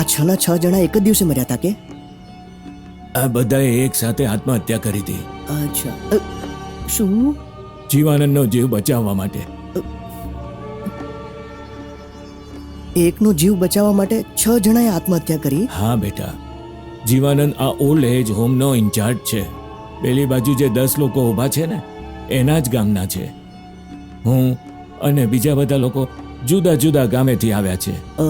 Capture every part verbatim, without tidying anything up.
આ છ ના છ જણા એક જ દિવસે મર્યા હતા કે? આ બધાએ એક સાથે આત્મહત્યા કરી હતી. અચ્છા, અ, શું? જીવાનંદનો જીવ બચાવવા માટે. એકનો જીવ બચાવવા માટે છ જણાએ આત્મહત્યા કરી? હા બેટા, જીવાનંદ આ ઓલ્ડ એજ હોમનો ઇન્ચાર્જ છે. પેલી બાજુ જે દસ લોકો ઊભા છે ને, એના જ ગામના છે. હું અને બીજા બધા લોકો જુદા જુદા ગામેથી આવ્યા છે. અ,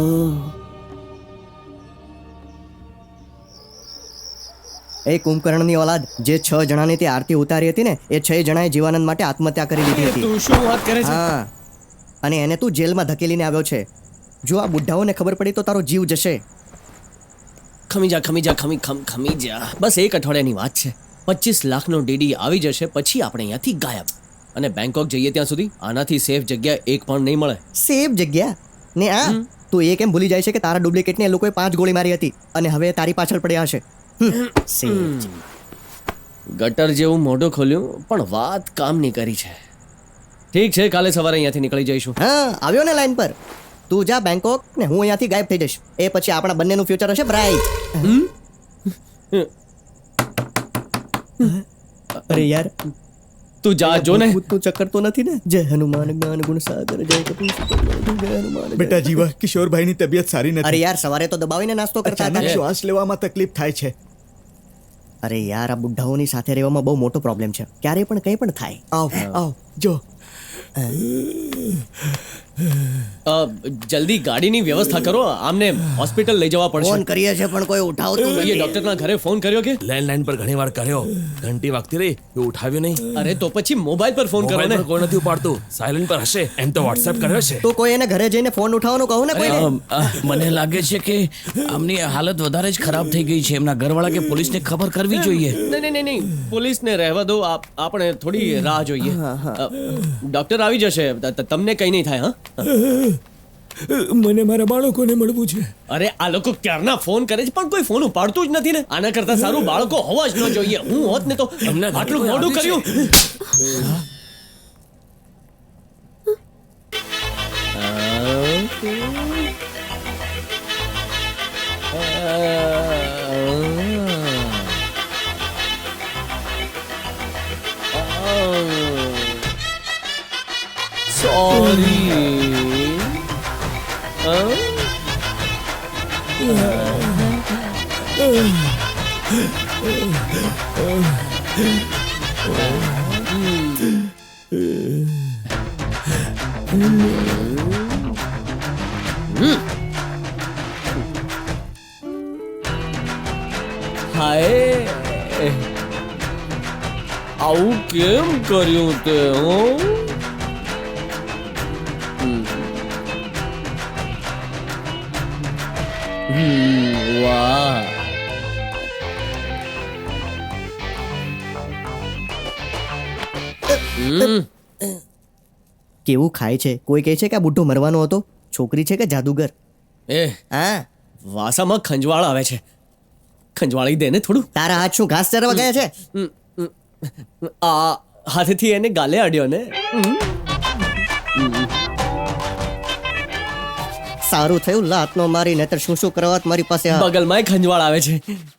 એ કુંભકર્ણની ઓલાદ, જે છ જણાની તે આરતી ઉતારી હતી ને, એ છ જણાએ જીવાનંદ માટે આત્મહત્યા કરી લીધી હતી. તું શું વાત કરે છે? હા, અને એને તું જેલમાં ધકેલીને આવ્યો છે. જો આ બુઢ્ઢાઓને ખબર પડી તો તારો જીવ જશે. ખમી જા ખમી જા ખમી ખમ ખમી જા. બસ એક અઠવાડિયાની વાત છે. પચીસ લાખનો ડીડી આવી જશે, પછી આપણે અહીંયાથી ગાયબ. અને બેંકોક જઈએ ત્યાં સુધી આનાથી સેફ જગ્યા એક પણ નહીં મળે. સેફ જગ્યા ને આ તું એ કેમ ભૂલી જાય છે કે તારા ડુપ્લિકેટને એ લોકોએ પાંચ ગોળી મારી હતી અને હવે તારી પાછળ પડ્યા હશે. હમ, safe. ગટર જેવું મોઢું ખોલ્યું પણ વાત કામની કરી છે. ઠીક છે, કાલે સવારે અહીંયાથી નીકળી જઈશું. હા, આવ્યો ને લાઈન પર. તું જા બેંકોક ને હું અહીંયાથી ગાયબ થઈ જઈશ. એ પછી આપણા બંનેનું ફ્યુચર હશે બ્રાઇટ. અરે યાર, તું જા જો ને. ભૂતનું ચક્કર તો નથી ને? જય હનુમાન જ્ઞાન ગુણ સાગર જય કપીશ જય હનુમાન જય. બેટા જીવા, કિશોરભાઈની તબિયત સારી અરે નથી. યાર, સવારે તો દબાવીને નાસ્તો કરતા અચાનક હતા. શ્વાસ લેવામાં તકલીફ થાય છે. અરે યાર, આ બુઢ્ઢાઓની સાથે રહેવામાં બહુ મોટો પ્રોબ્લેમ છે. ક્યારે પણ કંઈ પણ થાય. આવ આવ જો. અ, જલ્દી ગાડીની વ્યવસ્થા કરો. આમને હોસ્પિટલ લઈ જવા પડશે. ફોન કરીએ છે પણ કોઈ ઉઠાવતું એ નથી. ડોક્ટરના ઘરે ફોન કર્યો કે? લેન્ડલાઇન પર ઘણી વાર કર્યો, ઘંટી વાગતી રહી, એ ઉઠાવ્યું નહીં. અરે તો પછી મોબાઈલ પર ફોન કરો મોબાઈલ ને. પર કોઈ નથી ઉપાડતું, સાયલેન્ટ પર હશે. એમ તો વોટ્સએપ કર્યો છે. તો કોઈ એને ઘરે જઈને ફોન ઉઠાવવાનું કહું ને કોઈને. મને લાગે છે કે આમની હાલત વધારે જ ખરાબ થઈ ગઈ છે. એમના ઘરવાળા કે પોલીસને ખબર કરવી જોઈએ. નહીં નહીં નહીં નહીં પોલીસને રહેવા દો. આપ- આપણે થોડી રાહ જોઈએ. અ, ડોક્ટર આવી જશે. ત- ત- તમને કઈ નહીં થાય. હા, મને મારા બાળકોને મળવું છે. અરે આ લોકો ક્યારના ફોન કરે છે પણ કોઈ ફોન ઉપાડતું જ નથી ને. આના કરતા સારું બાળકો હોવા જ ન જોઈએ. હું હોત ને તો એમના ઘરે આટલું કોઈ મોડું આવ્યું કર્યું. સોરી. હાય, આવું કેમ કર્યું તે? હું વાહ, કેવું ખાય છે? કોઈ કહે છે કે આ બુઢ્ઢો મરવાનો હતો. છોકરી છે કે જાદુગર? એ હા, વાસામાં ખંજવાળ આવે છે. ખંજવાળી દે ને થોડું. તારા હાથ શું ઘાસ ચરવા ગયા છે? આ હાથેથી એને ગાલે અડ્યો ને. સારું થયું લાત નો મારી, નહીતર શું શું કરવા મારી પાસે આ- બગલમાં ખંજવાળ આવે છે.